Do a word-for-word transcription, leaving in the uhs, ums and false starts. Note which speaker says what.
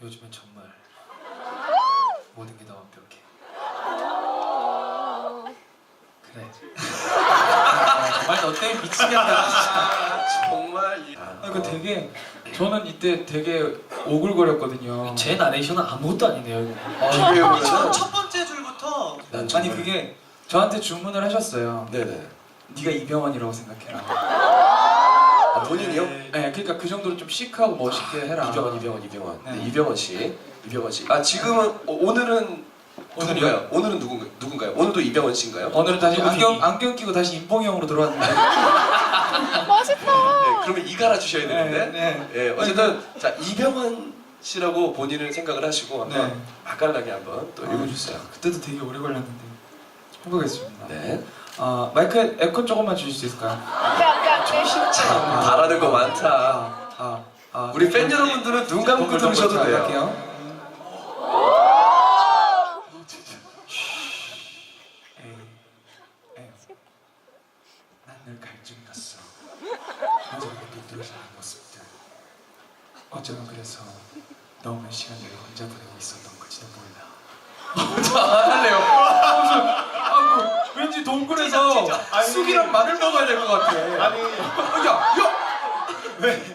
Speaker 1: 요즘엔 정말 모든 게 다 완벽해. 그래. 정말 너 때문에 미치겠다. 진짜.
Speaker 2: 정말 이...
Speaker 3: 아, 그 되게 저는 이때 되게 오글거렸거든요.
Speaker 1: 제 나레이션은 아무것도 아니네요. 이거.
Speaker 2: 아,
Speaker 1: 아,
Speaker 2: 이게요,
Speaker 4: 첫,
Speaker 2: 그러면?
Speaker 4: 첫 번째 줄부터
Speaker 2: 난
Speaker 3: 아니
Speaker 2: 정말...
Speaker 3: 그게 저한테 주문을 하셨어요.
Speaker 2: 네네.
Speaker 3: 네가 이병헌이라고 생각해라.
Speaker 2: 아, 본인이요?
Speaker 3: 네, 그러니까 그 정도로 좀 시크하고 멋있게 해라.
Speaker 2: 이병헌, 이병헌, 이병헌. 네.
Speaker 3: 네.
Speaker 2: 이병헌 씨, 이병헌 씨. 아 지금은 어, 오늘은
Speaker 3: 오늘이요?
Speaker 2: 누군가요? 오늘은 누군가, 누군가요? 오늘도 이병헌 씨인가요?
Speaker 3: 오늘은 다시
Speaker 1: 누구
Speaker 3: 안경
Speaker 1: 얘기?
Speaker 3: 안경 끼고 다시 임봉형으로 들어왔는데.
Speaker 2: 네, 그러면 이 갈아 주셔야 되는데.
Speaker 3: 네,
Speaker 2: 예, 어쨌든 자 이병헌 씨라고 본인을 생각을 하시고 한번
Speaker 3: 네.
Speaker 2: 맛깔나게 한번 또 읽어주세요.
Speaker 3: 그때도 되게 오래 걸렸는데 해보겠습니다.
Speaker 2: 네.
Speaker 3: 아 마이크 에코 조금만 주실 수 있을까요?
Speaker 2: 참 바라는 거 많다.
Speaker 3: 아, 아, 아,
Speaker 2: 우리 팬 여러분들은 눈 감고 들으셔도 돼요.
Speaker 3: 할게요. 난 늘 갈증났어. 저녁에 눈들어지는 모습들. 어쩌면 그래서 너무 시간을 혼자 보내고 있었던 걸지도 몰라. 자, 할래요. 아이고, 왠지 동굴에서 쑥이랑 마늘 먹어야 될 것 같아.
Speaker 4: 아니
Speaker 3: 야, 야! 왜?